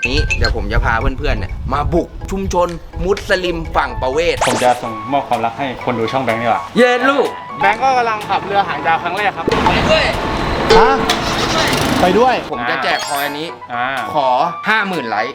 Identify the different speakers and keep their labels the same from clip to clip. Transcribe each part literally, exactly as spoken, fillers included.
Speaker 1: นี้เดี๋ยวผมจะพาเพื่อนๆเนี่ยมาบุกชุมชนมุสลิมฝั่งประเวศ
Speaker 2: ผมจะส่งมอบความรักให้คนดูช่องแบงค์ดีกว่า
Speaker 1: เย็นลูก
Speaker 2: แบงค์ก็กำลังขับเรือหางยาวครั้งแรกครับ
Speaker 1: ไปด้วย
Speaker 3: ฮะไปด้วย
Speaker 1: ผมจะแจกคอยอันนี้ขอ ห้าหมื่น ไลค์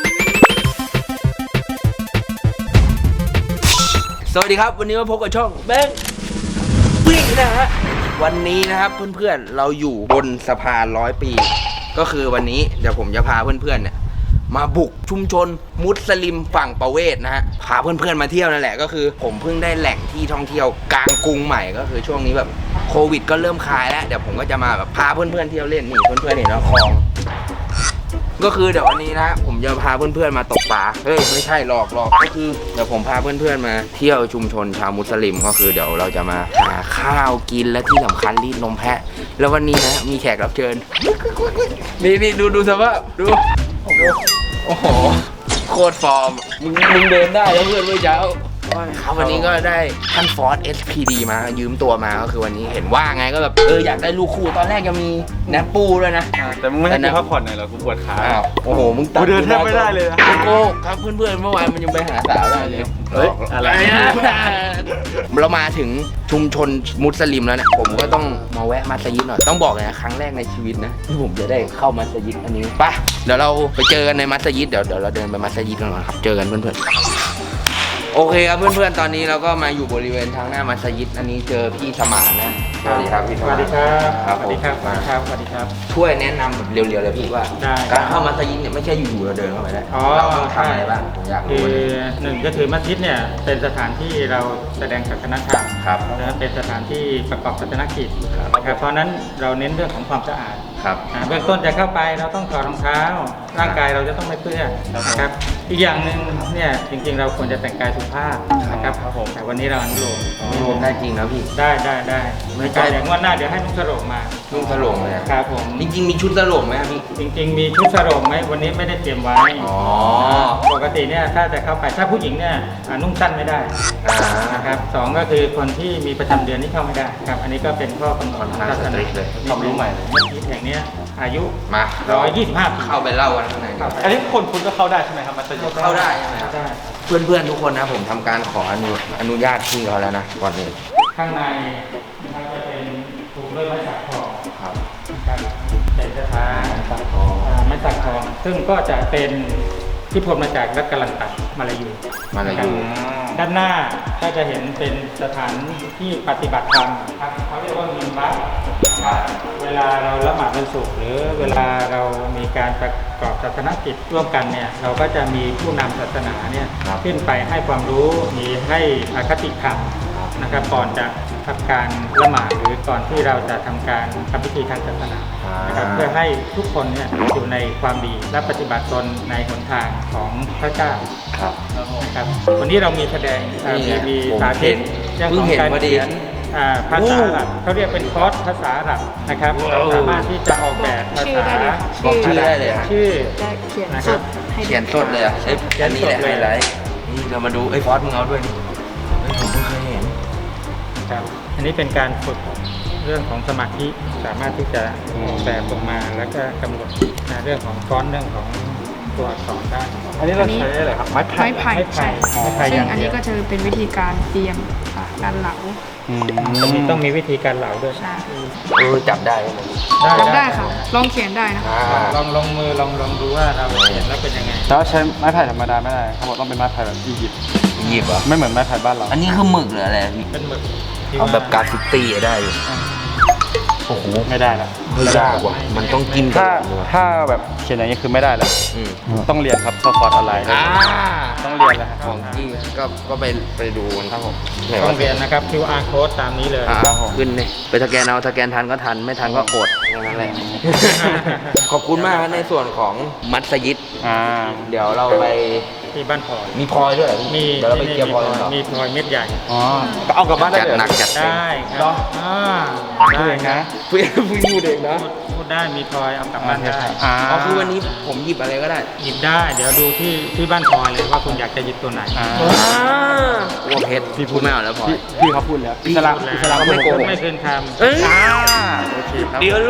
Speaker 1: สวัสดีครับวันนี้มาพบกับช่องแบงค์วิ่งนะฮะวันนี้นะครับเพื่อนๆเราอยู่บนสะพานร้อยปีก็คือวันนี้เดี๋ยวผมจะพาเพื่อนๆเนี่ยมาบุกชุมชนมุสลิมฝั่งประเวศนะฮะพาเพื่อนๆมาเที่ยวนั่นแหละก็คือผมเพิ่งได้แหล่งที่ท่องเที่ยวกลางกรุงใหม่ก็คือช่วงนี้แบบโควิดก็เริ่มคลายแล้วเดี๋ยวผมก็จะมาแบบพาเพื่อนๆเที่ยวเล่นนี่เพื่อนๆเห็นแล้วคลองก็คือเดี๋ยววันนี้นะผมจะพาเพื่อนๆมาตกปลาเฮ้ยไม่ใช่หลอกหลอกก็คือเดี๋ยวผมพาเพื่อนๆมาเที่ยวชุมชนชาวมุสลิมก็คือเดี๋ยวเราจะมาหาข้าวกินและที่สำคัญรีดนมแพะแล้ววันนี้นะมีแขกรับเชิญนี่นี่ดูดูสภาพดูดูโอ้โหโคตรฟอร์มมึงมึงเดินได้แล้วเพื่อนเมื่อเช้าครับวันนี้ก็ได้ท่านฟอร์ด เอส พี ดี มายืมตัวมาก็คือวันนี้เห็นว่าไงก็แบบเอออยากได้ลูกคู่ตอนแรกยังมีแนปปูด้วยนะ
Speaker 2: แต่มึงไม่ให้กูพักผ่อนหน่อยเหรอกูปวดขา
Speaker 1: โอ้โหมึง
Speaker 2: ตัดกูเดินแทบไม่ได้เลยนะ
Speaker 1: โก้ครับเพื่อนๆเมื่อวานมันยังไปหาสาวได้เลย
Speaker 2: เฮ้ยอะไร
Speaker 1: เรามาถึงชุมชนมุสลิมแล้วเนี่ยผมก็ต้องมาแวะมัสยิดหน่อยต้องบอกเลยนะครั้งแรกในชีวิตนะที่ผมจะได้เข้ามัสยิดอันนี้ไปเดี๋ยวเราไปเจอกันในมัสยิดเดี๋ยวเดี๋ยวเราเดินไปมัสยิดกันก่อนครับเจอกันเพื่อนๆโอเคครับเพื่อนๆตอนนี้เราก็มาอยู่บริเวณทางหน้ามัสยิดอันนี้เจอพี่สมานนะสวัสดีครับพี่สมาน
Speaker 2: สวัสดีครับ
Speaker 1: ครับ
Speaker 2: สวัสดีครับสวัสดีครับสวัสดีครับ
Speaker 1: ช่วยแนะนำแบบเร็วๆเลยพี่ว่าการเข้ามัสยิดเนี่ยไม่ใช่อยู่ๆเราเดินเข้าไปได้เราต้องทำอะไรบ้างผมอยากรู้
Speaker 2: คือหนึ่งก็คือมัสยิดเนี่ยเป็นสถานที่เราแสดงศาสนธรรม
Speaker 1: ครับ
Speaker 2: และเป็นสถานที่ประกอบศาสนกิจนะครับเพราะนั้นเราเน้นเรื่องของความสะอาด
Speaker 1: ครับ
Speaker 2: เบื้องต้นจะเข้าไปเราต้องถอดรองเท้าร่างกายเราจะต้องไม่เปื้อนนะครับอีกอย่างหนึ่งเนี่ยจริงๆเราควรจะแต่งกายสุภาพนะครับแต่วันนี้เราอนุโลม
Speaker 1: อนุโลมได้จริงนะพี่
Speaker 2: ได้ได้ได้ไม่ใช่อย่างวันหน้าเดี๋ยวให้นุ่งสโรงมา
Speaker 1: นุ่งสโรงเลย
Speaker 2: ครับผม
Speaker 1: จริงๆมีชุดสโรงไหมพี่
Speaker 2: จริงๆมีชุดสโรงไหมวันนี้ไม่ได้เตรียมไว้ปกติเนี่ยถ้าจะเข้าไปถ้าผู้หญิงเนี่ยนุ่งสั้นไม่ได้นะครับสองก็คือคนที่มีประจำเดือนนี่เข้าไม่ได้ครับอันนี้ก็เป็นข้อกำหนดศาสนา
Speaker 1: เลยความรู้ใหม่
Speaker 2: มัสยิดแห่งนี้อายุ
Speaker 1: มา
Speaker 2: ร้อยยี่สิบห้าปี
Speaker 1: เข้าไปเล่ากันข้างใน
Speaker 2: อันนี้คนคุณก็เข้าได้ใช่ไหมครับมัสยิด
Speaker 1: เข้าได้ใช่ไหมได้เพื่อนๆทุกคนนะผมทำการขออนุอนุญาตพี่เขาแล้วนะก่อนอื่น
Speaker 2: ข้างในนะครับจะเป็นถูกด้วยไม้สักทอง
Speaker 1: ครับ
Speaker 2: เป็นสถานไม้สักทองไม้สักทองซึ่งก็จะเป็นที่พบมาจากรัฐกาลันตัดมาลายู
Speaker 1: มาลายู
Speaker 2: ด้านหน้าก็จะเห็นเป็นสถานที่ปฏิบัติธรรมครับเขาเรียกว่ามินบัตเวลาเราละหมาดวันศุกร์หรือเวลาเรามีการประกอบศาสนกิจร่วมกันเนี่ยเราก็จะมีผู้นำศาสนาเนี่ยขึ้นไปให้ความรู้มีให้อคติธรรมนะครับก่อนจะทำการละหมาดหรือก่อนที่เราจะทำการทำพิธีทางศาสนานะครับเพื่อให้ทุกคนเนี่ยอยู่ในความดีและปฏิบัติตนในหนทางของพระเจ้า
Speaker 1: ครับ
Speaker 2: นะครับวันนี้เรามีแสดงมีมีสาธิต
Speaker 1: เรื่องของการเขียน
Speaker 2: ภาษาอาหรับเขาเรียกเป็นคอร์สภาษาอาหรับนะครับเราสามารถที่จะออกแบบภาษา
Speaker 1: บอกชื่อได้เลย
Speaker 2: ชื่อ
Speaker 1: นะครับเขียนสดเลยอ่ะอันนี้แหละไฮไลท์นี่เรามาดูไอ้ฟอสมึงเอาด้วยนี่ผมเพิ่งเคยเห็น
Speaker 2: ครับอันนี้เป็นการฝึกเรื่องของสมาธิสามารถที่จะแบบออกมาแล้วก็กำหนดเรื่องของฟอนต์เรื่องของตัวอักษรได้อันนี้เราใช้อะไรครับไม้ไผ่
Speaker 4: ไม้ไผ่ใช่ซึ่งอันนี้ก็จะเป็นวิธีการเตรียมการเหลา
Speaker 2: ต้องมีต้องมีวิธีการเหลาด้วย
Speaker 4: ใช่
Speaker 1: เออจับได้ไหม
Speaker 4: จับได้ค่ะลองเขียนได้นะ
Speaker 2: ลองลองมือลองลองดูว่าเราเขียนแล้วเป็นยังไง
Speaker 3: แต่ว่าใช้ไม้ไผ่ธรรมดาไม่ได้เขาบอกต้องเป็นไม้ไผ่แบบอียิปต์
Speaker 1: อียิปต์อ่ะ
Speaker 3: ไม่เหมือนไม้ไผ่บ้านเรา
Speaker 1: อันนี้คือหมึกหรืออะไร
Speaker 2: เป็นหมึก
Speaker 1: เอาแบบกาฟิตี้ได้อยู่
Speaker 3: โอ้โหไม่ได้ละ
Speaker 1: ไม่ได้ว่ะมันต้องกิน
Speaker 3: ถ้าถ้าแบบเขียนอย่างนี้คือไม่ได้แล้วต้องเรียนครับเข้าคอร์สออนไลน์ต้องเรียนแล้ว
Speaker 1: ของที่ก็ก็ไปไปดูกันครับผม
Speaker 2: ต้องเรียนนะครับ คิว อาร์ code ตามนี้เลย
Speaker 1: ขึ้นเลยไปสแกนเอาสแกนทันก็ทันไม่ทันก็อดนั่นแหละขอบคุณมากในส่วนของมัสยิดเดี๋ยวเราไป
Speaker 2: ที่บ้านพลอย
Speaker 1: มีพลอยด้วย
Speaker 2: มี
Speaker 1: เดี๋ยวเราไปเกี่ยวพลอยกันต่อ
Speaker 2: มีพลอยเม็ดใหญ่
Speaker 3: อ๋อก็เอากลับบ้านได้
Speaker 1: เลยหนักจัด
Speaker 2: ได้ครับ
Speaker 3: ได้นะ
Speaker 1: พูดพูดเองนะ
Speaker 2: พูดได้มีพลอยเอากลับบ้านได้
Speaker 1: อ๋อคือวันนี้ผมหยิบอะไรก็ได้
Speaker 2: หยิบได้เดี๋ยวดูที่ที่บ้านพลอยเลยว่าคุณอยากจะหยิบตัวไหน
Speaker 1: วัวเพชรพี่พูดไม่เอาแล้วพลอย
Speaker 3: พี่เขาพูดแล้ว
Speaker 1: อิสลามอิสลาม
Speaker 2: ไม่โกงไม่คืนคำ
Speaker 1: โอเคครับเดี๋ยวลู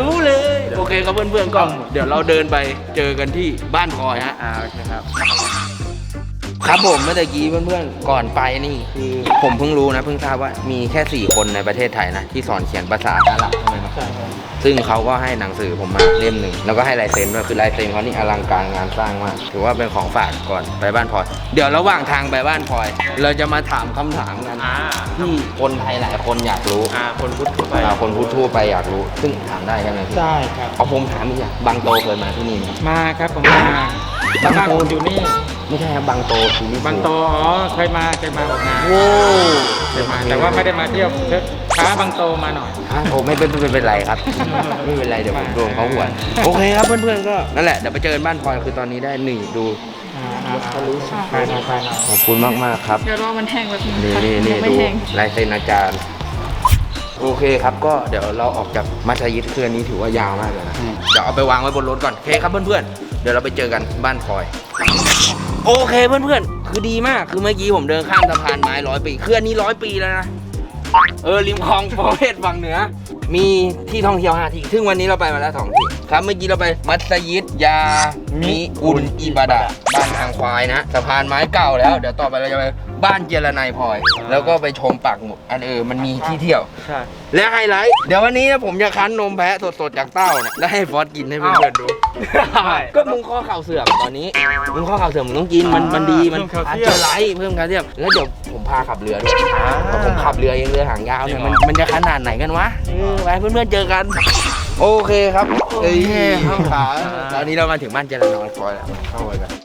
Speaker 1: รู้เลย โอเคครับเพื่อนๆก็เดี๋ยวเราเดินไปเจอกันที่บ้านพลอยฮะ
Speaker 3: อ่าโอเคครับ
Speaker 1: ครับผมเมื่อกี้เพื่อนๆก่อนไปนี่คือผมเพิ่งรู้นะเพิ่งทราบว่ามีแค่สี่คนในประเทศไทยนะที่สอนเขียนภาษาอาหรับใช่ไหมครับ
Speaker 2: ใช่ครับ
Speaker 1: ซึ่งเขาก็ให้หนังสือผมมาเล่มหนึ่งแล้วก็ให้ลายเซ็นด้วยคือลายเซ็นเขานี่อลังการงานสร้างมากถือว่าเป็นของฝากก่อนไปบ้านพลอย เดี๋ยวระหว่างทางไปบ้านพลอย เราจะมาถามคำถามกัน
Speaker 3: อ่า
Speaker 1: ที่คนไทยหลายคนอยากรู้
Speaker 3: อ่าคนพุทธทั่วไป
Speaker 1: อ่าคนพูดทั่วไปอยากรู้ ซึ่งถามได้ใช่ไหมพี่
Speaker 2: ได้ครับ
Speaker 1: เอาผมถามอีกอย่างบางโตเคยมาที่นี่ไหม
Speaker 2: มาครับผมมาบ้านบ้านผมอยู่นี่
Speaker 1: ไม่ใช่ครับบางโตคือนี่
Speaker 2: บางโตอ๋อเคยมาเคยมาออกงาน
Speaker 1: โว้
Speaker 2: เคยมาแต่ว่าไม่ได้มาเที่ยวช้าบางโตมาหน่อย
Speaker 1: อ่ะโอ้ไม่เป็นไม่เป็นไรครับ ไม่เป็นไรเดี๋ยวผมโดนเขาหัวโอเคครับเพื่อนๆก็นั่นแหละเดี๋ยวไปเจอกันบ้านพลอยคือตอนนี้ได้หนึ่งดู
Speaker 2: อ่าอ่าอ่าไปหน่อยไปหน่อย
Speaker 1: ขอบคุณมากมากๆครับ
Speaker 4: เดี๋ยวรอมันแห้งแบบนึง
Speaker 1: นี่
Speaker 4: ค่ะ
Speaker 1: นี่นี่
Speaker 4: ยังไม่
Speaker 1: ดู
Speaker 4: แห้ง
Speaker 1: ลายเซ็นอาจารย์ โอเคครับก็เดี๋ยวเราออกจากมัสยิดเคลื่อนนี้ถือว่ายาวมากเลยนะเดี๋ยวเอาไปวางไว้บนรถก่อนโอเคครับเพื่อนๆเดี๋ยวเราไปเจอกันบ้านพลอย โอเคเพื่อนๆคือดีมากคือเมื่อกี้ผมเดินข้ามสะพานไม้ร้อยปีเคลื่อนนี้ร้อยปีแล้วนะเออริมคลองประเวศฝั่งเหนือ มีที่ท่องเที่ยวห้าที่ซึ่งวันนี้เราไปมาแล้วสองที่ครับเมื่อกี้เราไปมัสยิดยามิอุนอิบาดะบ้านทางควายนะสะพานไม้เก่าแล้วเดี๋ยวต่อไปเราจะไปบ้านเจรนายพลอย แล้วก็ไปชมปากหมุดอันเออมันมีที่เที่ยว
Speaker 3: ใช่
Speaker 1: และไฮไลท์เดี๋ยววันนี้นะผมจะคั้นนมแพะสดๆจากเต้าเนี่ยแล้วให้ฟอสกินให้เพื่อนๆดู ก็มึงข้อเข่าเสื่อมตอนนี้มึงข้อเข่าเสื่อมมึงต้องกินมันมันดีมันอันเจอไรเพิ่มแคลเซียมแล้วเดี๋ยวผมพาขับเรือด้วยเพราะผมขับเรือเองเรือหางยาวเนี่ยมันมันจะขนาดไหนกันวะเออไปเพื่อนๆเจอกัน โอเคครับเอ้ยข้ามขาตอนนี้เรามาถึงบ้านเจริญนอนคอยแล้วเข้าไปกัน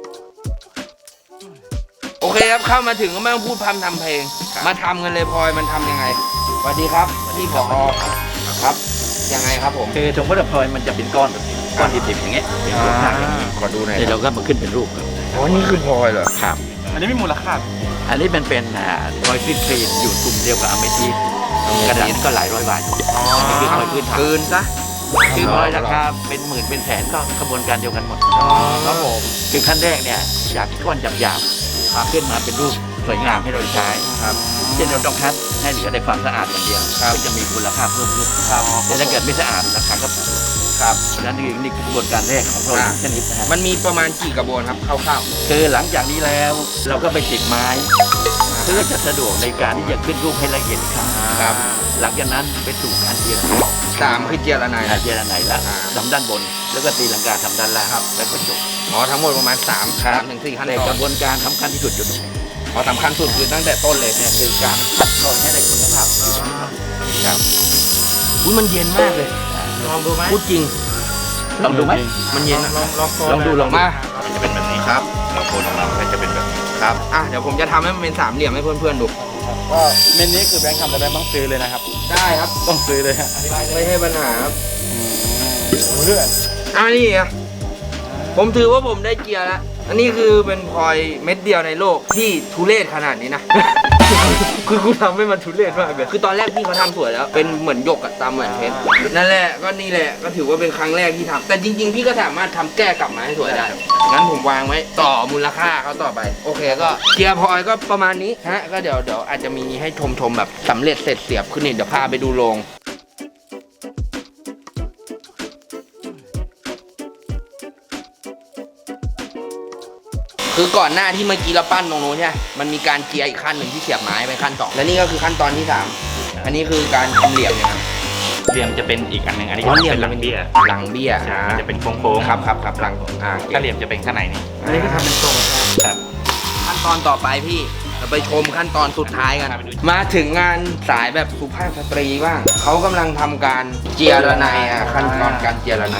Speaker 1: โอเคครับเข้ามาถึงก็ไม่ต้องพูดพร่ำทำเพลง มาทำกันเลยพลอยมันทำยังไงสวัสดีครับพี่ผอครับยังไงครับผม
Speaker 5: คือถุงพลาสติกมันจะเป็นก้อนแบบนี้ก้อนดิบๆอย่างเงี้ยเป็นรูปหน้าอย่างนี้
Speaker 1: ขอดูหน่อย
Speaker 5: เดี๋ยวเราก็มาขึ้นเป็นรูปครับ
Speaker 1: อ๋อนี่คือพลอยเหรอ
Speaker 5: ครับ
Speaker 3: อันนี้มีมูลค่า
Speaker 5: อันนี้เป็นเป็นอ่าพลอยคลีนคลีนอยู่กลุ่มเดียวกับอเมทิสต์กระดาษก็หลายร้อยบาทอันนี้คือพลอยพื้นฐาน
Speaker 1: คืนซะ
Speaker 5: คือพลอยราคาเป็นหมื่นเป็นแสนก็กระบวนการเดียวกันหมด
Speaker 1: ครับผม
Speaker 5: คือขั้นแรกเนี่ยจากก้อนหยาบๆขึ้นมาเป็นรูปสวยงามให้เราใช้
Speaker 1: ครับ
Speaker 5: เช่นเราต้องคัดให้เหลือในความสะอาดอย่างเดียว
Speaker 1: ครับ
Speaker 5: ก็จะมีมูลค่าเพิ่มขึ้น
Speaker 1: ครับ
Speaker 5: แต่ถ้าเกิดไม่สะอาดราคาก็
Speaker 1: ครับ
Speaker 5: เพราะฉะนั้นนี่นี่คือกระบวนการแรกของพลอยชนิดนะฮะ
Speaker 1: มันมีประมาณกี่กระบวนครับคร่าว
Speaker 5: คือหลังจากนี้แล้วเราก็ไปติดไม้เพื่อจะสะดวกในการที่จะขึ้นรูปให้ละเอียดอีกครั้ง
Speaker 1: ๆครับ
Speaker 5: หลังจากนั้นไปสู่การเจียร์
Speaker 1: สามคือเจรนาย
Speaker 5: อาเจียร์ไหนละ
Speaker 1: อ่า
Speaker 5: ทำด้านบน แล้วก็ตีลังกาทำด้านล่างแล้วก็จบ
Speaker 1: อ๋อทั้งหมดประมาณสามสามถึงสี่ขั้น
Speaker 5: แต่
Speaker 1: ต
Speaker 5: ก
Speaker 1: อน
Speaker 5: ระบวนการสำคัญที่สุดอยู่ตรงไหน
Speaker 1: อ๋อสำคัญสุดคือตั้งแต่ต้นเลย
Speaker 5: เนี่ยคือการคัดกรองให้ได้คุณภาพอยู่ตรงนี้
Speaker 1: ครับอุ้ยมันเย็นมากเลย
Speaker 2: ลองดูไหม
Speaker 1: พูดจริง
Speaker 5: ลองดูไหม
Speaker 1: มันเย็น
Speaker 2: ล
Speaker 1: อะ
Speaker 2: องลอง
Speaker 5: ลองดูลองดู
Speaker 1: มา
Speaker 5: มันจะเป็นแบบนี้
Speaker 1: ครับ
Speaker 5: เราโคนออกมามันก็จะเป็นแบบนี้
Speaker 1: ครับอ่ะเดี๋ยวผมจะทำให้มันเป็นสามเหลี่ยมให้เพื่อนๆดู
Speaker 3: ก็เมนนี้คือแบงค์ทำแต่แบงค์ต้องซื้อเลยนะครับ
Speaker 1: ได้ครับ
Speaker 3: ต้องซื้อเลยฮะ
Speaker 1: ไม่ใช่ปัญหาครับ
Speaker 3: เรื่อง
Speaker 1: อ่ะนี่อ่ะผมถือว่าผมได้เกียร์แล้วอันนี้คือเป็นพลอยเม็ดเดียวในโลกที่ทุเรศขนาดนี้นะ คือกูทำให้มันทุเรศมากเลยคือตอนแรกพี่เขาทำสวยแล้ว เป็นเหมือนหยกอะตามเหมือนเพชรนั่นแหละก็นี่แหละก็ถือว่าเป็นครั้งแรกที่ทำแต่จริง ๆ พี่ก็สามารถทำแก้กลับมาให้สวยได้งั้นผมวางไว้ต่อมูลค่าเขาต่อไป โอเคก็เกียร์พลอยก็ประมาณนี้ฮะก็เดี๋ยวเดี๋ยวอาจจะมีให้ชมชมๆแบบสำเร็จเสร็จเสียบขึ้นนี่เดี๋ยวพาไปดูโรงคือก่อนหน้าที่เมื่อกี้เราปั้นตรงนู้นใช่ไหมมันมีการเจียร์อีกขั้นหนึ่งที่เสียบไม้ไปขั้นสองและนี่ก็คือขั้นตอนที่สามอันนี้คือการทำเหลี่ยมเนี่ยครับ
Speaker 5: เหลี่ยมจะเป็นอีกอันหนึ่งอันนี้
Speaker 1: อ๋อเหลี่ยม
Speaker 5: เป็นหลังเบี้ย
Speaker 1: หลังเบี้ย
Speaker 5: ใช่
Speaker 1: อ่า
Speaker 5: มันจะเป็นโค้งๆ
Speaker 1: ครับครับครับหลังอ่า
Speaker 5: ถ้าเหลี่ยมจะเป็นข้างในนี้
Speaker 1: อันนี้ก็ทำเป็นทรง
Speaker 5: ครับ
Speaker 1: ขั้นตอนต่อไปพี่เราไปชมขั้นตอนสุดท้ายกัน มาถึงงานสายแบบสุภาพสตรีบ้างเขากำลังทำการเจียระไนอ่ะขั้นตอนการเจียระไน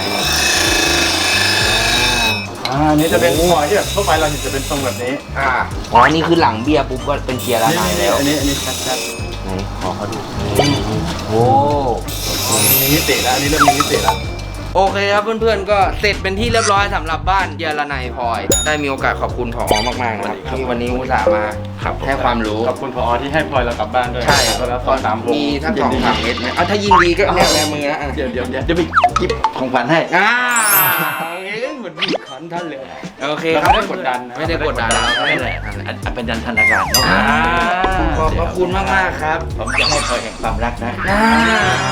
Speaker 3: อ่าอันนี้จะเป็นพลอยที่แบบทั่วไปเราเห็นจะเป็นทรงแบบนี้
Speaker 1: อ่าอ๋อนี่คือหลังเบี้ยปุ๊บก็เป็นเจียระ
Speaker 3: นี่
Speaker 1: ไน
Speaker 3: นี่
Speaker 1: แล้ว
Speaker 3: อันนี้อันนี้ชัด
Speaker 1: ไหนขอเขาดูโอ้
Speaker 3: ๆมีมิติแล้วอันนี้เริ่มมีมิติแล้ว
Speaker 1: โอเคครับเพื่อนๆก็เสร็จเป็นที่เรียบร้อยสำหรับบ้านเยลนายพลอย ได้มีโอกาสขอบคุณผอมากๆนะครับที่วันนี้อุตส่าห์มาให้ความรู้
Speaker 3: ขอบคุณผอที่ให้พลอยเรากลับบ้านด้วย
Speaker 1: ใช่
Speaker 3: แล้วสองสามวง
Speaker 1: มีทั้งสองสามเม็ดไหมเอาถ้ายิงดีก็แนบแนบมือนะอ่ะ
Speaker 5: เดี๋ยวเดี๋ยวเดี๋ยวเดี๋ยวไปจิบของขวัญให้
Speaker 1: อ่าเอ้ยเหมือนบีบขันท่านเลยโอเค
Speaker 3: เรา
Speaker 1: ครับ
Speaker 3: ไม่ได้กดดันนะ
Speaker 1: ไม่ได้กดดันเรา
Speaker 5: นั่นแหละอันอันเป็นยันธนาการเนาะ
Speaker 1: อ่าขอบพระคุณมากๆครับ
Speaker 5: ผมจะให้พลอยแห่งความรักนะ
Speaker 1: อ่า
Speaker 5: เดี๋ยว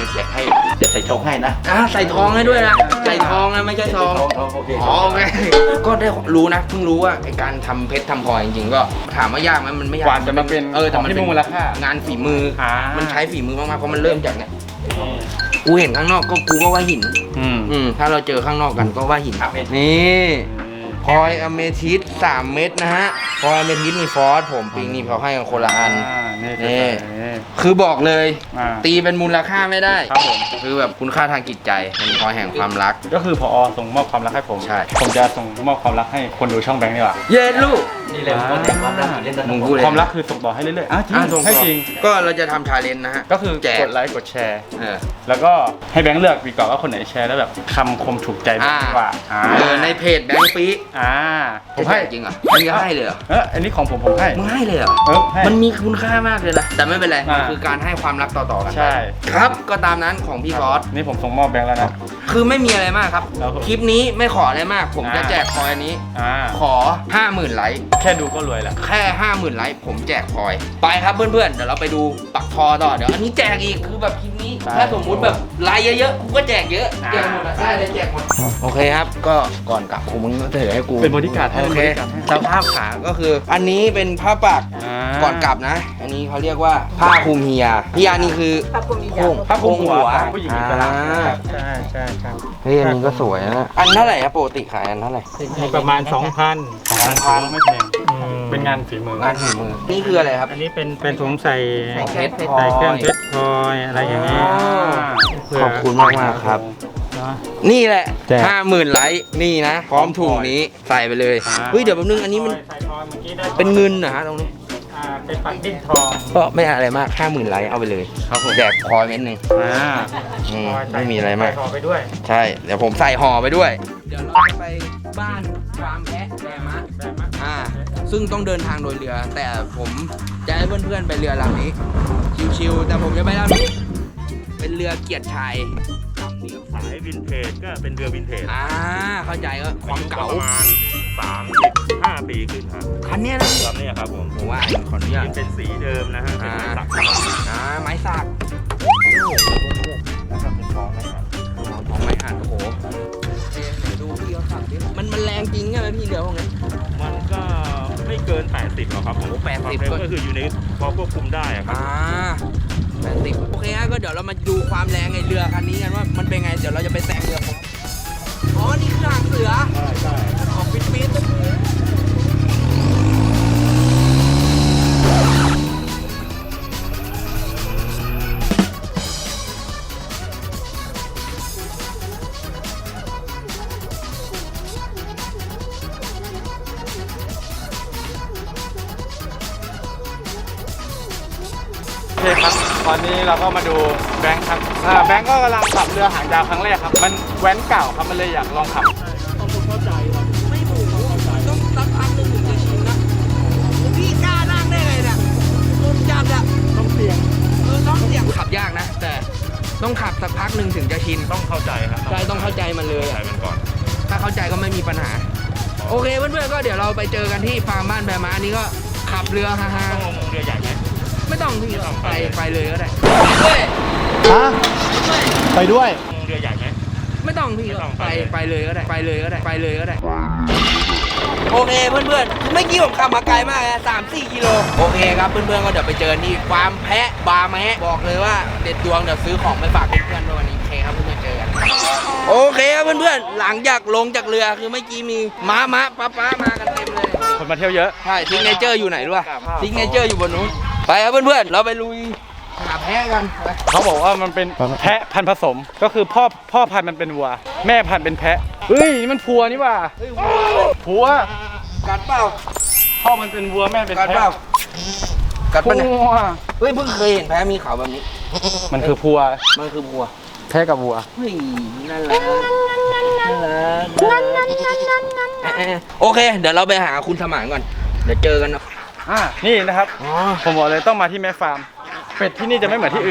Speaker 5: แจกให้เดี๋ยวใส่ชงให้นะ
Speaker 1: อ่าใส่ทองให้ด้วยนะใส่ทองนะไม่ใช่ทอง
Speaker 5: ทองโอเค
Speaker 1: อ๋อโอเคก็ได้รู้นะเพิ่งรู้ว่าไอการทำเพชรทำพลอยจริงๆก็ถามว่ายากไหมมันไม่ยาก
Speaker 3: กว่าจะมาเป็น
Speaker 1: เออแต่มัน
Speaker 3: ที่
Speaker 1: เป็
Speaker 3: มี
Speaker 1: น
Speaker 3: มูลค่าง
Speaker 1: านฝีมืออา
Speaker 3: มั
Speaker 1: มันใช้ฝีมือมากๆเพราะมันเริ่มจากเนี่ยกูเห็นข้างนอกก็กูก็ว่าหิน
Speaker 3: อืม
Speaker 1: อืมถ้าเราเจอข้างนอกกันก็ว่าหินนี่พลอยอเมทิสสามเม็ดนะฮะพลอยอเมทิสมีฟอสผมปิงนี่เขาให้กันคนละอัน
Speaker 3: อ่านี่
Speaker 1: นี่
Speaker 3: นี่
Speaker 1: คือบอกเลย
Speaker 3: อ่า
Speaker 1: ตีเป็นมูลค่าไม่ได้
Speaker 3: ครับผม
Speaker 1: คือแบบคุณค่าทางจิตใจเป็นพลอยแห่งความรัก
Speaker 3: ก็คือพอส่งมอบความรักให้ผม
Speaker 1: ใช่
Speaker 3: ผมจะส่งมอบความรักให้คนดูช่องแบงค์ดีกว่า
Speaker 1: เย็นลูก
Speaker 5: นี่เลยคนแห่งความรักอยู่เล่น
Speaker 1: มึงพูดเลย
Speaker 3: ความรักคือส่งต่อให้เรื่อยๆอ่ะจริง
Speaker 1: อ่ะส่ง
Speaker 3: ให้
Speaker 1: ต่อ
Speaker 3: จริง
Speaker 1: ก็เราจะทำชาเลนจ์นะฮะ
Speaker 3: ก็คือ
Speaker 1: แจก
Speaker 3: กดไลค์กดแชร์
Speaker 1: เออ
Speaker 3: แล้วก็ให้แบงค์เลือกดีกว่าว่าคนไหนแชร์แล้วแบบคำคมถูกใจแบงค์ดีกว่าอ่า
Speaker 1: เออในเพจแบงค์ปี
Speaker 3: อ่าผมให้
Speaker 1: จริงเหรอมึงจะให้เลยเหรอ
Speaker 3: เอออันนี้ของผมผมให้
Speaker 1: มึงให้เลยเหรอ
Speaker 3: เออให้
Speaker 1: มันมีคุณค่ามากเลยนะแต่ไม่เป็นไร
Speaker 3: อ่า
Speaker 1: มันคือการให้ความรักต่อๆกันไป
Speaker 3: ใช่
Speaker 1: ครับก็ตามนั้นของพี่ฟอส
Speaker 3: นี่ผมส่งมอบแบงค์แล้วนะ
Speaker 1: คือไม่มีอะไรมากครับ
Speaker 3: ครับผม
Speaker 1: คลิปนี้ไม่ขออะไรมาก ผมจะ
Speaker 3: อ่า
Speaker 1: แจกพลอยอันนี้
Speaker 3: อ่า
Speaker 1: ขอ ห้าหมื่น ไลค์
Speaker 3: แค่ดูก็รวยแล้ว
Speaker 1: แค่ ห้าหมื่น ไลค์ผมแจกพลอย ไปครับเพื่อนๆ เดี๋ยวเราไปดูปักทอต่อ เดี๋ยวอันนี้แจกอีก คือแบบคลิปนี้
Speaker 3: ได้
Speaker 1: ถ้าสมมุติแบบไลค์เยอะๆ กูก็แจกเยอะ
Speaker 3: อ่า
Speaker 1: แจกหมดอะได้เลยแจกหมด โอเคครับ ก็ก่อนกลับกูมึงก็ถือให้กู
Speaker 3: เป็นบริการดให้
Speaker 1: โอ
Speaker 3: เป็น
Speaker 1: เค
Speaker 3: บริการดให้
Speaker 1: สภาพขาก็คือ อันนี้เป็นผ้าปัก
Speaker 3: อ่า
Speaker 1: ก่อนกลับนะ อันนี้เขาเรียกว่าผ้าคลุมเฮียเฮียนี่คือผ้าคลุมโค้ง
Speaker 3: ผ้าคลุมหัว
Speaker 1: ผ้า
Speaker 3: ผู้หญิง
Speaker 1: อ่
Speaker 3: อิสระ
Speaker 1: า
Speaker 3: ใช่ใช่ครับ
Speaker 1: เฮ้ยอันนี้ก็สวยนะ อันเท่าไหร่ครับปกติขายอันเท่าไหร่
Speaker 2: ประมาณ สองพัน
Speaker 3: ของร้านค้าไม่แพงเป็นงานฝีมือง
Speaker 1: านฝีมือ นี่คืออะไรครับ
Speaker 2: อันนี้เป็นเป็นถุงใส่
Speaker 1: ใส่เพชร
Speaker 2: ใส่เครื่องเพชรพลอยอะไรอย่างนี้ เผื่อ
Speaker 1: ขอบคุณมากมากๆครับ
Speaker 2: เนาะ
Speaker 1: นี่แหละ
Speaker 3: แจก
Speaker 1: ห้าหมื่นไลค์นี่นะ พร้อมถุงนี้ใส่ไปเลย
Speaker 3: อ่า
Speaker 1: เฮ้ยเดี๋ยวแป๊บนึงอันนี้มัน
Speaker 2: ใส่พลอยเมื่อกี้ได้
Speaker 1: เป็นเงินนะฮะตรงนี้
Speaker 2: อ่าเป็นปักดิ้นทอง
Speaker 1: ก็ไม่อะไรมากห้าหมื่นไลค์เอาไปเลย
Speaker 3: ครับผม
Speaker 1: แจกพลอยเม็ดหนึ่ง
Speaker 3: อ่า
Speaker 1: อืม
Speaker 2: พลอยใส่
Speaker 1: ไม่มีอะไรมาก
Speaker 2: ใส่ห่อไปด้วย
Speaker 1: ใช่ เดี๋ยวผมใส่ห่อไปด้วย เดี๋ยวเราจะไปบ้านฟาร์มแพะแบมะ
Speaker 2: แบบมะ
Speaker 1: อ่า ซึ่งต้องเดินทางโดยเรือ แต่ผมจะให้เพื่อนๆไปเรือลำนี้ ชิวๆ แต่ผมจะไปลำนี้ เป็นเรือเกียรติชัย
Speaker 6: สายวินเทจก็เป็นเรือวินเทจ
Speaker 1: อ่า เข้าใจก็ความเก่า
Speaker 6: ประมาณสามสิบห้าปีขึ้นครับ
Speaker 1: คันเนี้ยนะ
Speaker 6: ลำเนี้ยครับผม
Speaker 1: ผมว่าขออนุญาต
Speaker 6: ยังเป็นสีเดิมนะฮะเป็นไม้สัก
Speaker 1: อ่า ไม้สัก
Speaker 6: แล้วก็เป็นท้องนะครับ
Speaker 1: อ๋อท้องไม้หันโอ้โหเดี๋ยวดูพี่เขาขับดิ มันมันแรงจริงใช่ไหมพี่เรือพวกนั้น
Speaker 6: มันก็ไม่เกิน แปดสิบหรอกครับผม
Speaker 1: โอ้แปดสิบ
Speaker 6: ความเร็วก็คืออยู่ในพอควบคุมได้อะครับ
Speaker 1: อ่าแปดสิบโอเคฮะก็เดี๋ยวเรามาดูความแรงไอ้เรือคันนี้กันว่ามันเป็นไง เดี๋ยวเราจะไปแซงเรือผมอ๋อ นี่คือหางเสือ
Speaker 6: ใช่ใช่
Speaker 1: ออกปิดปิด
Speaker 3: โอเคครับ ตอนนี้เราก็มาดูแบงค์ครับอ่าแบงค์ก็กำลังขับเรือหางยาวครั้งแรกครับ มันแว้นเก่าครับ มันเลยอยากลองขับ
Speaker 1: ไม่หมูต้องสักพักหนึ่งถึงจะชินนะพี่กล้านั่งได้ไงเนี่ยผมจับอะต้องเสี่ยงเออต้องเสี่ยงขับยากนะ แต่ต้องขับสักพักหนึ่งถึงจะชิน
Speaker 6: ต้องเข้าใจครับ
Speaker 1: ใช่ต้องเข้าใจมันเลย
Speaker 6: เข้าใจ
Speaker 1: อะ
Speaker 6: มันก่อน
Speaker 1: ถ้าเข้าใจก็ไม่มีปัญหา โอเคเพื่อนๆก็เดี๋ยวเราไปเจอกันที่ฟาร์มบ้านแบม้าอันนี้ก็ขับเรือฮ่า
Speaker 6: ต้องลงเรือใหญ่ไหม
Speaker 1: ๆไม่ต้องพี่
Speaker 6: ไม่ต้อง
Speaker 1: ไป
Speaker 6: ไปเลย
Speaker 1: ไปเลยก็ได้ด้วย
Speaker 3: ฮะ ไปด้วย
Speaker 6: ลงเรือใหญ่ไหม
Speaker 1: ไม่ต้องพี่
Speaker 6: ไม่ต้อง
Speaker 1: ไป
Speaker 6: ไปเลย
Speaker 1: ไปเลยก็ได้ไปเลยก็ได้ไปเลยก็ได้โอเคเพื่อนๆเมื่อกี้ผมขับมาไกลมากนะสามสี่กิโลโอเคครับเพื่อนๆก็เดี๋ยวไปเจอที่ฟาร์มแพะบาร์แมะบอกเลยว่าเด็ดดวงเดี๋ยวซื้อของไปฝากเพื่อนๆด้วยวันนี้โอเคครับเพื่อนๆเจอกันโอเคครับเพื่อนๆหลังจากลงจากเรือคือเมื่อกี้มีม้ามะป้าป้ามากันเต็มเลย
Speaker 3: คนมาเที่ยวเยอะ
Speaker 1: ใช่ซิกเนเจอร์อยู่ไหนด้วยซิกเนเจอร์อยู่บนนู้นไปครับเพื่อนๆเราไปลุยหาแพะกันไป
Speaker 3: เขาบอกว่ามันเป็นแพะพันธุ์ผสม ก็คือพ่อพ่อพันธุ์มันเป็นวัว แม่พันธุ์เป็นแพะ เฮ้ยนี่มันพัวนี่หว่า
Speaker 1: เฮ้ยวัวเลย
Speaker 3: พัว
Speaker 1: กัดเปล่า
Speaker 3: พ่อมันเป็นวัวแม่เป็น
Speaker 1: กัด
Speaker 3: แพะ
Speaker 1: เปล่ากัด
Speaker 3: พั
Speaker 1: ปะเนี่ย
Speaker 3: ว
Speaker 1: เฮ้ยเพิ่งเคยเห็นแพะมีเขาแบบนี้
Speaker 3: มันคือพัว
Speaker 1: มันคือวัว
Speaker 3: แพะกับวัว
Speaker 1: เฮ้ยน่ารักน่ารักเอ๊ะโอเค เดี๋ยวเราไปหาคุณสมานก่อน เดี๋ยวเจอกันนะ
Speaker 3: อ่า นี่นะครับ
Speaker 1: อ๋อ
Speaker 3: ผมบอกเลยต้องมาที่แม่ฟาร์ม เป็ดที่นี่จะไม่เหมือนที่อื่น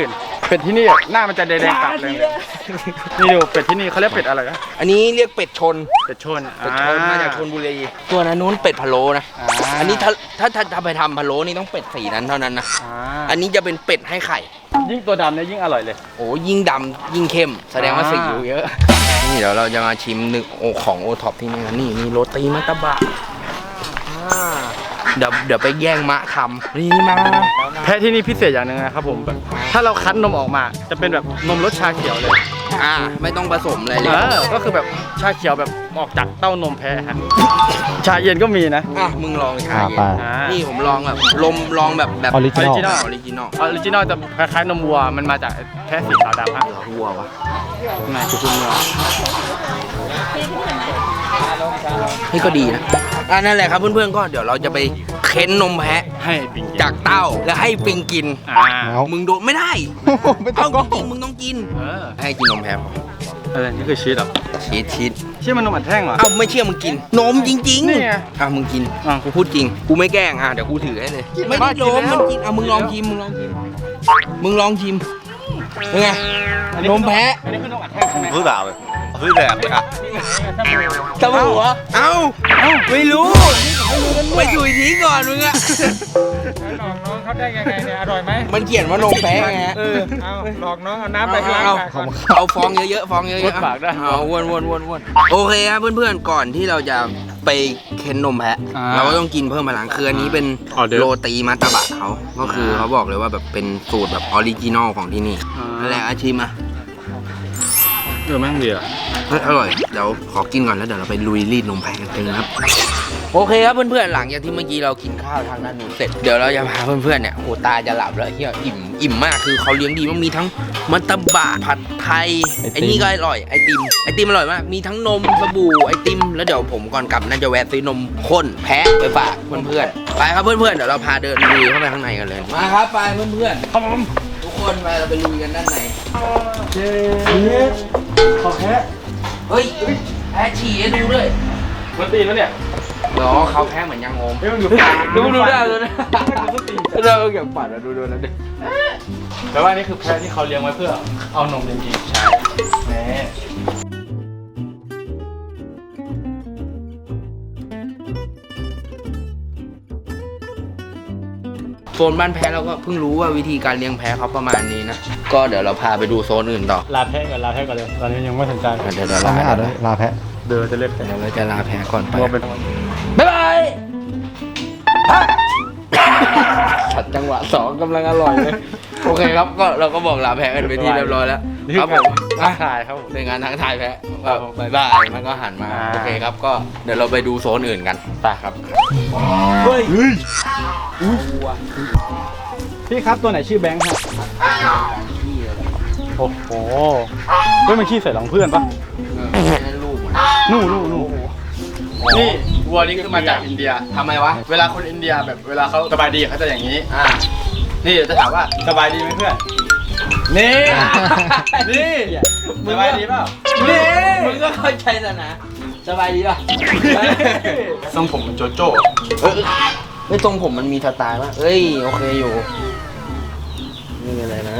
Speaker 3: เป็ดที่นี่หน้ามันจะแดงๆกลับเลยนี่ดูเป็ดที่นี่เขาเรียกเป็ดอะไรนะ
Speaker 1: อันนี้เรียกเป็ดชน
Speaker 3: เป็ดชน
Speaker 1: เป็ดชนมาจากชนบุรีตัวนั้นนู้นเป็ดพะโล้นะ อันนี้ถ้าถ้าถ้าถ้าไปทำพะโล้นี่ต้องเป็ดสีนั้นเท่านั้นนะ อันนี้จะเป็นเป็ดให้ไข่
Speaker 3: ยิ่งตัวดำเนี่ยยิ่งอร่อยเลย
Speaker 1: โอ้ยิ่งดำยิ่งเข้ม แสดงว่าสีอยู่เยอะ นี่เดี๋ยวเราจะมาชิมหนึ่งโอของโอท็อปที่นี่นะนี่มีโรตีมัตตบะอ่าเดี๋ยวเดี๋ยวไปแย่งมะทำนี่มา
Speaker 3: แพะที่นี่พิเศษอย่างหนึ่งนะครับผมแบบถ้าเราคั้นนมออกมาจะเป็นแบบนมรสชาเขียวเลย
Speaker 1: อ่าไม่ต้องผสมอะไรเลย
Speaker 3: เออก็คือแบบชาเขียวแบบออกจากเต้านมแพะฮะชาเย็นก็มีนะ
Speaker 1: อ่ะมึงลองชาเย็น
Speaker 3: อ่า
Speaker 1: นี่ผมลองแบบลมลองแบบแบบ
Speaker 3: ออริจินอล
Speaker 1: ออริจินอล
Speaker 3: ออริจินอลจะคล้ายๆนมวัวมันมาจากแพะสีขาวดำฮะ
Speaker 1: วัววะ
Speaker 3: นายคือคุณเนื้อ
Speaker 1: นี่ก็ดีนะอ่านั่นแหละครับเพื่อนๆก็เดี๋ยวเราจะไปเค้นนมแพะ
Speaker 3: ให้ปิงกิน
Speaker 1: จากเต้าแล้วให้ปิงกิน
Speaker 3: อ่า
Speaker 1: มึงโดนไม่ได้ เอาจริงๆมึงต้องกิน
Speaker 3: เออ
Speaker 1: ให้กินนมแพะ
Speaker 3: อะไรนี่คือชีสเหรอ
Speaker 1: ชีสชีส
Speaker 3: เชื่อมันนมอัดแท่งเหรอ
Speaker 1: เอ้าไม่เชื่อมึงกิน นมจริงๆ
Speaker 3: นี่ไง
Speaker 1: อ่ะมึงกิน
Speaker 3: อ่ะ
Speaker 1: กูพูดจริง กูไม่แกล้งอ่ะเดี๋ยวกูถือให้เลย
Speaker 3: กิน
Speaker 1: ไม่ได้
Speaker 3: กิ
Speaker 1: น
Speaker 3: น
Speaker 1: ม
Speaker 3: แล้ว
Speaker 1: มันกินอ่ะมึงลองชิมมึงลองชิมมึงลองชิมเป็นไง นมแพะ
Speaker 3: อันนี้คือนมอัดแท่งใช่ไหม
Speaker 6: ซื้อแบบซื้อแบบเลยอ่ะ
Speaker 1: สบู่เหรอเอ้าไม่รู้ไปดูอีกทีก่อนมึงอะ
Speaker 2: หลอกน้องเขาได้ยังไงเนี่ยอร่อยไหม
Speaker 1: มันเขียนว่านมแพะไงฮะ
Speaker 2: เออเอาหลอกน้องเอาน้ำไปล้าง
Speaker 1: เอา
Speaker 2: ปากก่อน
Speaker 1: เอาฟองเยอะๆฟองเยอะ
Speaker 3: วด
Speaker 1: ๆ
Speaker 3: ปากได้
Speaker 1: เอาวนวนวนวนโอเคครับเพื่อนๆก่อนที่เราจะไปเค้นนมแพะ
Speaker 3: อ่า
Speaker 1: เราก็ต้องกินเพิ่มพลังคืออันนี้เป็น
Speaker 3: ออเดอร์
Speaker 1: โรตีมัตตบะเขาก็คือเขาบอกเลยว่าแบบเป็นสูตรแบบออริจินอลของที่นี่
Speaker 3: อ่านั่
Speaker 1: นั่นแหละอาชิมอ่ะ
Speaker 3: เออแม่งดีอ่ะ
Speaker 1: เฮ้ยอร่อยเดี๋ยวขอกินก่อนแล้วเดี๋ยวเราไปลุยรีดนมแพะกันเลยนะครับโอเคครับเพื่อนๆหลังจากที่เมื่อกี้เรากินข้าวทางด้านนู้นเสร็จเดี๋ยวเราจะพาเพื่อนๆเนี่ยโอ้ตาจะหลับแล้วเฮียอิ่มอิ่มมากคือเขาเลี้ยงดีมันมีทั้งมัตตบะผัดไทยไอ้นี่ก็อร่อยไอติมไอติมอร่อยมากมีทั้งนมสบู่ไอติมแล้วเดี๋ยวผมก่อนกลับน่าจะแวะซื้อนมข้นแพะไปฝากเพื่อนๆไปครับเพื่อนๆเดี๋ยวเราพาเดินลุยเข้าไปข้างในกันเลยมาครับไปเพื่อนๆ
Speaker 3: ครับผม
Speaker 1: ทุกคนไปเราไปลุยกันด้านใน
Speaker 3: เจ๊ขอแค่
Speaker 1: เฮ้ยแพ้ฉี่ให้ดูด้วย
Speaker 3: มันตีนแล้วเนี่ย
Speaker 1: เดี๋ยวเขาแพ้เหมือนยังงม
Speaker 3: เฮ้ยมันอยู่
Speaker 1: ดูดูได้เลยนะเราเก็บปัดดูดูนะดิ
Speaker 3: แต่ว่านี่คือแพะที่เขาเลี้ยงไว้เพื่อเอานมจริงๆใช่แหม
Speaker 1: โซนบ้านแพ้เราก็เพิ่งรู้ว่าวิธีการเลี้ยงแพ้เขาประมาณนี้นะ ก็เดี๋ยวเราพาไปดูโซนอื่นต่อ
Speaker 3: ลาแพะก่อนลาแพะก่อนเลยตอนนี้ยังไม่สนใจ
Speaker 1: เดี๋ยวเดี๋ยว
Speaker 7: เรา
Speaker 1: ลา
Speaker 7: ไม่อ่านเลยลาแพะ
Speaker 3: เดินจะเล็บแต่
Speaker 1: เดี๋ยวเราจะลาแพ้ก่อนไป
Speaker 3: ตัวเป็น
Speaker 1: บ๊ายบายขัดจังหวะสองกำลังอร่อยเลย โอเคครับก็เราก็บอกลาแพ้กันไปที่เรียบร้อยแล้วครับผม
Speaker 3: ทักทายครับผม
Speaker 1: เป็นงานทั้งทายแพ้
Speaker 3: ครับผม
Speaker 1: บายบายมันก็หันมา
Speaker 3: อ่า
Speaker 1: โอเคครับก็เดี๋ยวเราไปดูโซนอื่นกันไปครับ
Speaker 3: เฮ้ยพี่ครับตัวไหนชื่อแบงค์ครับโอ้โหเฮ้ยมันขี้ใส่หลังเพื่อนปะ
Speaker 1: ลูก
Speaker 3: นู่นู่นู่นี่วัวนี่คือมาจากอินเดีย
Speaker 1: ทำไมวะ
Speaker 3: เวลาคนอินเดียแบบเวลาเขาสบายดีเขาจะอย่างนี้
Speaker 1: อ่า
Speaker 3: นี่เดี๋ยวจะถามว่าสบายดีไหมเพื่อน นี่ นี่สบายดีเปล่า
Speaker 1: นี่มึงก็เข้าใจแล้วนะสบายดีป่ะ
Speaker 3: ทรงผมเหมันโจโจ้
Speaker 1: เออไม่ตรงผมมันมีสไตล์ป่ะเอ้ยโอเคอยู่นี่อะไรนะ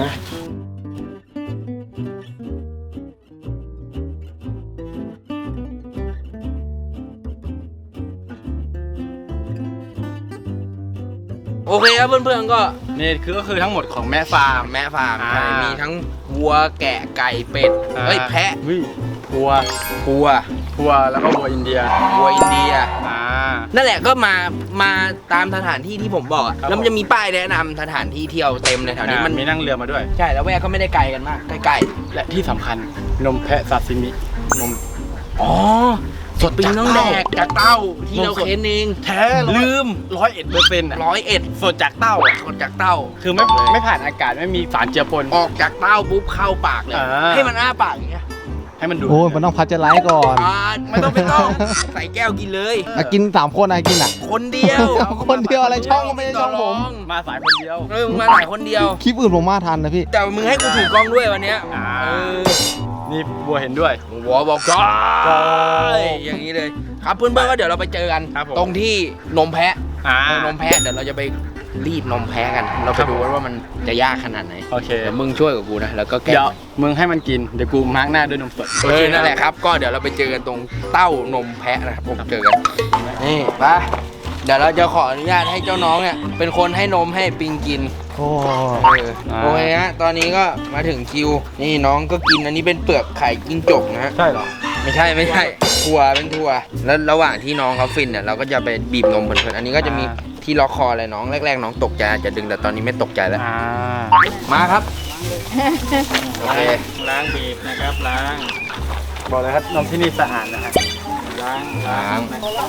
Speaker 1: โอเคครับเพื่อนๆก็
Speaker 3: นี่คือก็คือทั้งหมดของแม่ฟาร์ม
Speaker 1: แม่ฟาร์ม
Speaker 3: อ่า
Speaker 1: ใช่มีทั้งวัวแกะไก่เป็ดเฮ้ยแพะ
Speaker 3: วิวัว
Speaker 1: วัว
Speaker 3: วัวแล้วก็วัวอินเดีย
Speaker 1: วัวอินเดีย
Speaker 3: อ่า
Speaker 1: นั่นแหละก็มามาตามสถานที่ที่ผมบอกอะ
Speaker 3: ครับ
Speaker 1: แล้วมันจะมีป้ายแนะนำสถานที่เที่ยวเต็มเลยแถวนี้มัน
Speaker 3: มีนั่งเรือมาด้วย
Speaker 1: ใช่แล้วแวกก็ไม่ได้ไกลกันมากใกล้
Speaker 3: และที่สำคัญนมแพะซาซิมินม
Speaker 1: ๆอ๋อสดปิงน้องแดกจากเต้าที่เราเค้นเอง
Speaker 3: แท้
Speaker 1: ลืม
Speaker 3: ร้อยเอ็ดเปอร์เซ็นต์
Speaker 1: ร้อยเอ็ด
Speaker 3: สดจากเต้าอะ
Speaker 1: สดจากเต้า
Speaker 3: คือไม่ไม่ผ่านอากาศไม่มีสารเจือปน
Speaker 1: ออกจากเต้าปุ๊บเข้าปากเลย
Speaker 3: อ่า
Speaker 1: ให้มันอ้าปากอย่างเงี้ย
Speaker 3: ให้มันดู
Speaker 7: โอ้ยมันต้องพัชเจอร์ไลท์ก่อน
Speaker 1: อ่าไม่ต้องไม่ต้อง ใส่แก้วกินเลย
Speaker 7: อ่ะกินสามคนอะกินอ่ะ
Speaker 1: คนเดียว
Speaker 7: คนเดียวอะไรช่องก็ไม่ใช่ช่องผม
Speaker 3: มาสายคนเดียว
Speaker 1: เออมึงมาหลายคนเดียว
Speaker 7: คลิปอื่นผมมาทันนะพี่
Speaker 1: แต่มึงให้กูถือกล้องด้วยวันเนี้ย
Speaker 3: อ่า
Speaker 1: เออ
Speaker 3: นี่บัวเห็นด้วย
Speaker 1: หัวบอกจ้อยอย่างนี้เลย ครับเพื่อนๆก็เดี๋ยวเราไปเจอกัน
Speaker 3: ครับผม
Speaker 1: ตรงที่นมแพะ
Speaker 3: อ่า
Speaker 1: เออนมแพะเดี๋ยวเราจะไปรีดนมแพะกัน เราไปดูกันว่ามันจะยากขนาดไหน
Speaker 3: โอเค
Speaker 1: เดี๋ยวมึงช่วยกับกูนะแล้วก็แกะ
Speaker 3: เดี๋ยวมึงให้มันกินเดี๋ยวกูมาร์กหน้าด้วยนมสด
Speaker 1: เออนั่นแหละครับก็เดี๋ยวเราไปเจอกันตรงเต้านมแพะนะครับผมเจอกันนี่ไปเดี๋ยวเราจะขออนุญาตให้เจ้าน้องเนี่ยเป็นคนให้นมให้ปิงกิน
Speaker 7: โอ้
Speaker 1: เออโอเคฮะตอนนี้ก็มาถึงคิวนี่น้องก็กินอันนี้เป็นเปลือกไข่จิ้งจกนะฮะ
Speaker 3: ใช่เหรอ
Speaker 1: ไม่ใช่ไม่ใช่ถั่วเป็นถั่วแล้วระหว่างที่น้องเขาฟินเนี่ยเราก็จะไปบีบนมเพลินๆอันนี้ก็จะมีที่ล็อกคออะไรน้องแรกๆน้องตกใจอาจจะดึงแต่ตอนนี้ไม่ตกใจแล้ว
Speaker 3: อ่า
Speaker 1: มาครับโอเค
Speaker 2: ล้างบีบนะครับล้าง
Speaker 3: บอกเลยครับนมที่นี่สะอาดนะครับ
Speaker 2: ล้าง
Speaker 1: ล้าง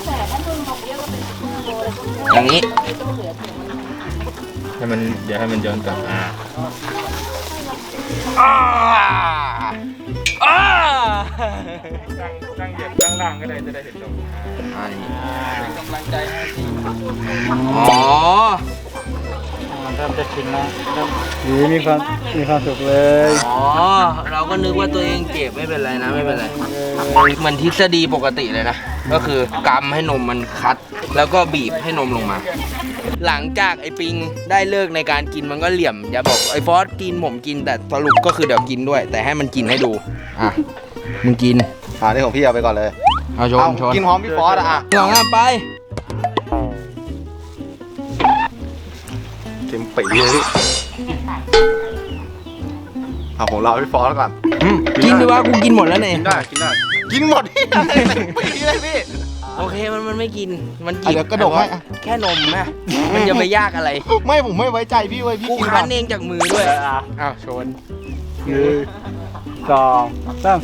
Speaker 1: อย่างนี้
Speaker 2: ให้มันเดี๋ยวให้มันย้อนกลับอ่า
Speaker 1: อ้าอ้า
Speaker 2: ตั้งตั้งเหยียบตั้งล่างก็ได้จะได้เห็นตรง
Speaker 1: อันนี้
Speaker 2: เป็นกำลังใจให้ที
Speaker 1: อ๋อ
Speaker 2: มันเริ่มจะชินแล้วเริ่มนี่มีความมีความสุขเลย
Speaker 1: อ๋อเราก็นึกว่าตัวเองเจ็บไม่เป็นไรนะไม่เป็นไรเหมือนทฤษฎีปกติเลยนะก็คือกำให้นมมันคัด แล้วก็บีบให้นมลงมา หลังจากไอ้ปิงได้เลิกในการกินมันก็เหลี่ยมอย่าบอกไอ้ฟอสกินผมกินแต่สรุปก็คือเดี๋ยวกินด้วย แต่ให้มันกินให้ดูอ่ะมึงกิน
Speaker 7: อ่านี่ของพี่เอาไปก่อนเลย
Speaker 1: เอาชน
Speaker 7: เอา
Speaker 1: ชน
Speaker 7: กินพร้อมพี่ฟอสอะอ่ะ
Speaker 1: สองอ่ะไป
Speaker 7: เต็มปีเลยพี่เอาของเราพี่ฟอสก่อน
Speaker 1: อืมกินดีว่ากูกินหมดแล้วเนี่ย
Speaker 3: กินได้กินได้
Speaker 7: กินหมดที่อะไรเต็มปีเลยพี่
Speaker 1: โอเคมันมันไม่กินมันกิ
Speaker 7: อ่ะเดี๋ยวกระดกให้อ่ะ
Speaker 1: แค่นมนะมันจะไปยากอะไร
Speaker 7: ไม่ผมไม่ไว้ใจพี่เว้ยพี่
Speaker 1: กู
Speaker 7: กิน
Speaker 1: คั้
Speaker 7: ก่อน น
Speaker 1: เองจากมือด้วย
Speaker 3: อ่ะ
Speaker 1: อ้าวชน
Speaker 3: หนึ่งสองสาม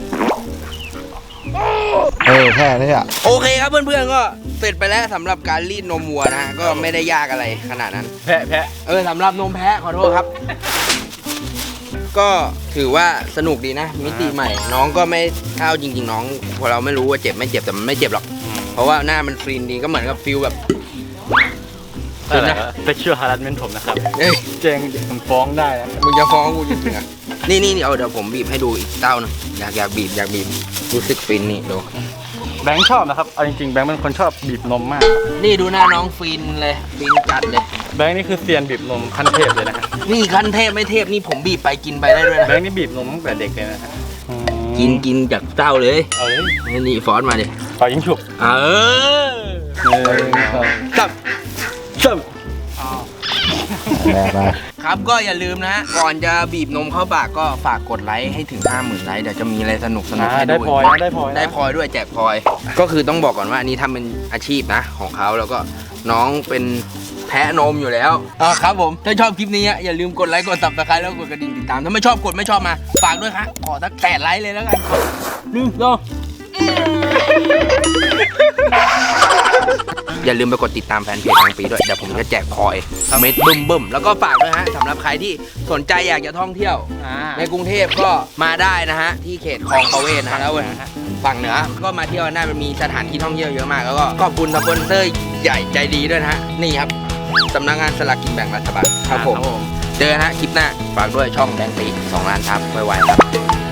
Speaker 7: เออแค่นี้อ่ะ
Speaker 1: โอเคครับเพื่อนๆก็เสร็จไปแล้วสำหรับการรีดนมวัวนะฮะก็ไม่ได้ยากอะไรขนาดนั้น
Speaker 3: แพะแพะ
Speaker 1: เออสำหรับนมแพะขอโทษครับ ก็ถือว่าสนุกดีนะ มิติใหม่ น้องก็ไม่เท่าจริง ๆ น้องพอเราไม่รู้ว่าเจ็บไม่เจ็บแต่มันไม่เจ็บหรอก เพราะว่าหน้ามันฟรีนดีก็เหมือนกับฟิลแบบ
Speaker 3: อะไรนะไปเชื่อฮารัสเมนผมนะครับ
Speaker 1: เอ้ย
Speaker 3: เจงผมฟ้องได้นะ
Speaker 1: มึงจะฟ้องกูจริงๆอ่ะนี่นี่นี่เอาเดี๋ยวผมบีบให้ดูอีกเต้าหนึงอยากอยากบีบอยากบีบรู้สึกฟินนี่ดู
Speaker 3: แบงค์ชอบนะครับเอาจริงๆแบงค์เป็นคนชอบบีบนมมาก
Speaker 1: นี่ดูหน้าน้องฟินเลยฟินจัดเลย
Speaker 3: แบงค์นี่คือเซียนบีบนมขั้นเทพเลยนะฮะ
Speaker 1: นี่ขั้นเทพไม่เทพนี่ผมบีบไปกินไปได้ด้วยนะ
Speaker 3: แบงค์นี่บีบนมตั้งแต่เด็กเลยนะฮะอืม
Speaker 1: กินกินจากเต้าเลย
Speaker 3: เอาเลย
Speaker 1: นี่นี่ฟอสมาดิ
Speaker 3: ต่อยิงฉุบ
Speaker 1: เออ
Speaker 3: หนึ่งสอง
Speaker 1: จับจับ
Speaker 7: ไปไป
Speaker 1: ครับก็อย่าลืมนะฮะก่อนจะบีบนมเข้าปากก็ฝากกดไลค์ให้ถึง ห้าหมื่น ไลค์เดี๋ยวจะมีอะไรสนุกสนุก
Speaker 3: อ่า
Speaker 1: ให้ดู
Speaker 3: ได้พลอยนะได้พลอยนะ
Speaker 1: ได้พลอยด้วยแจกพลอย ก็คือต้องบอกก่อนว่าอันนี้ทำเป็นอาชีพนะของเขาแล้วก็น้องเป็นแพะนมอยู่แล้วอ่าครับผมถ้าชอบคลิปนี้อย่าลืมกดไลค์กดซับสไครต์แล้วกดกระดิ่งติดตามถ้าไม่ชอบกดไม่ชอบมาฝากด้วยครับขอสักแปดไลค์เลยแล้วกันหนึ่งสองอย่าลืมไปกดติดตามแฟนเพจทางปีด้วยเดี๋ยวผมจะแจกพลอยเม็ดบึ้มบึ้มแล้วก็ฝากด้วยฮะสำหรับใครที่สนใจอยากจะท่องเที่ยว
Speaker 3: อ่า
Speaker 1: ในกรุงเทพก็มาได้นะฮะที่เขตคลองประเวศนะฮะแล้วฝั่งเหนือก็มาเที่ยวได้มันมีสถานที่ท่องเที่ยวเยอะมากแล้วก็ขอบคุณสปอนเซอร์ใหญ่ใจดีด้วยนะฮะนี่ครับสำนักงานสลากกินแบ่งรัฐบาลครับผมเจอกันฮะคลิปหน้าฝากด้วยช่องแบงค์ปีสองล้านทับไวๆครับ